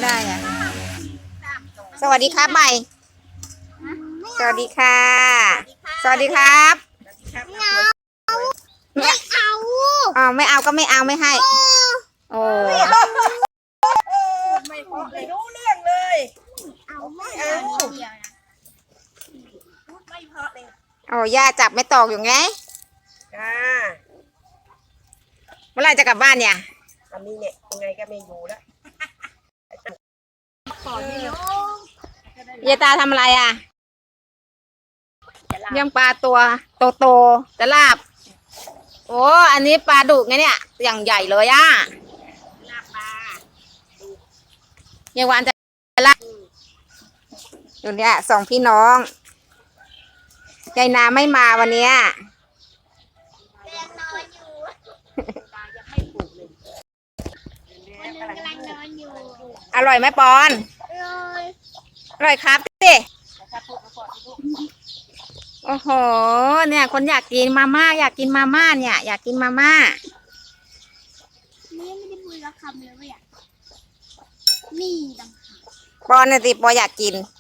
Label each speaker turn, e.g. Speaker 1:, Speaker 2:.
Speaker 1: ได้อ่ะสวัสดีครับใหม่สวัสดีค่ะสวัสดีครับไม่เอาอ๋อไม่เอาก็ไม่เอาไม่ให้โอ้
Speaker 2: ไม่พอเลยรู้เรื่องเลย
Speaker 3: เอาไม่เอาเดียวนะ
Speaker 2: พูดไม่พอเลย
Speaker 1: โอ้ย่าจับไม่ตอกอยู่ไง
Speaker 2: จ้า
Speaker 1: เมื่อไหรจะกลับบ้านเนี่ย
Speaker 2: อันนี้เนี่ยยังไงก็ไม่อยู่แล้ว
Speaker 1: ยายตาทำอะไรอ่ะย่างปลาตัวโตๆจะลาบโอ้อันนี้ปลาดุกไงเนี่ยอย่างใหญ่เลยอ่ะ
Speaker 2: ลาบปลา
Speaker 1: ยายวานจะลาบอยู่เนี่ยสองพี่น้องยายนาไม่มาวันเนี้ย
Speaker 3: เรียนนอนอยู่
Speaker 2: ตายังไม่ปลูกเลย
Speaker 3: คนนึงกำลังนอนอยู่
Speaker 1: อร่อยไหมปอน
Speaker 3: เลย
Speaker 1: อร่อยครับสิ
Speaker 2: ถ้าพูดมาก่อนลูก
Speaker 1: โอ้โหเนี่ยคนอยากกินมาม่าอยากกินมาม่าเนี่ยอยากกินมาม่า
Speaker 3: นี่ไม่ได้พูดละคำเลยว่าอยากนี่ดัง
Speaker 1: ปอนน่ะสิปออยากกิน